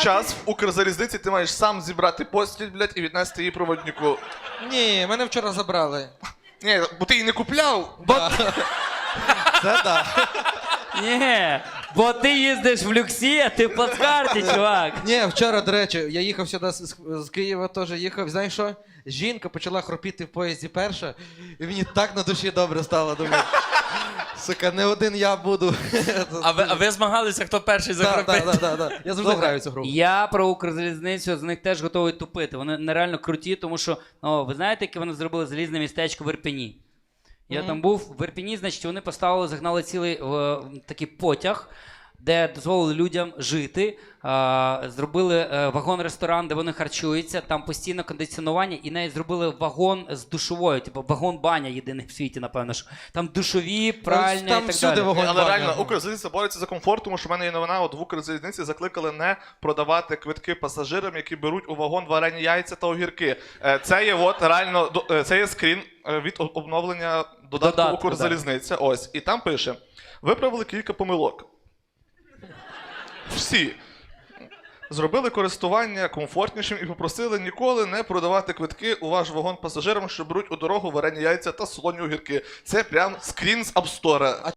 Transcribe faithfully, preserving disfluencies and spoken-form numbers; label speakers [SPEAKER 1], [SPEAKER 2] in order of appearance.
[SPEAKER 1] час в Укрзалізниці ти маєш сам зібрати постіль, блядь, і віднести її проводнику.
[SPEAKER 2] Ні, мене вчора забрали.
[SPEAKER 1] Ні, бо ти її не купляв.
[SPEAKER 2] Да. Це так.
[SPEAKER 3] Ні, бо ти їздиш в люксі, а ти в плацкарті, чувак.
[SPEAKER 2] Ні, вчора, до речі, я їхав сюди з, з Києва, теж їхав. Знаєш що? Жінка почала хропіти в поїзді перша, і мені так на душі добре стало. Думаю, сука, не один я буду.
[SPEAKER 4] А ви, а ви змагалися, хто перший
[SPEAKER 2] Так,
[SPEAKER 4] закропив?
[SPEAKER 2] так, так, так. Я завжди граю цю гру.
[SPEAKER 3] Я про Укрзалізницю з них теж готовий тупити. Вони нереально круті, тому що, ну, ви знаєте, яке вони зробили залізне містечко в Ірпені? Я mm-hmm. там був в Ірпені, значить, вони поставили, загнали цілий е, такий потяг, де дозволили людям жити, е, зробили е, вагон-ресторан, де вони харчуються, там постійно кондиціонування, і навіть зробили вагон з душовою, типу вагон-баня єдиний в світі, напевно, що там душові, пральні
[SPEAKER 2] там
[SPEAKER 3] і так
[SPEAKER 2] всюди
[SPEAKER 3] далі.
[SPEAKER 2] вагон.
[SPEAKER 1] Але реально, Укрзалізниця бореться за комфорт, тому що в мене є новина, от в Укрзалізниці закликали не продавати квитки пасажирам, які беруть у вагон варені яйця та огірки. Е, Це є от реально, до- е, це є скрін е, від о- обновлення додатку
[SPEAKER 3] Додатку,
[SPEAKER 1] Укрзалізниця. Ось. І там пише: виправили кілька помилок. Всі. Зробили користування комфортнішим і попросили ніколи не продавати квитки у ваш вагон пасажирам, що беруть у дорогу варені яйця та солоні огірки. Це прям скрін з Апстора.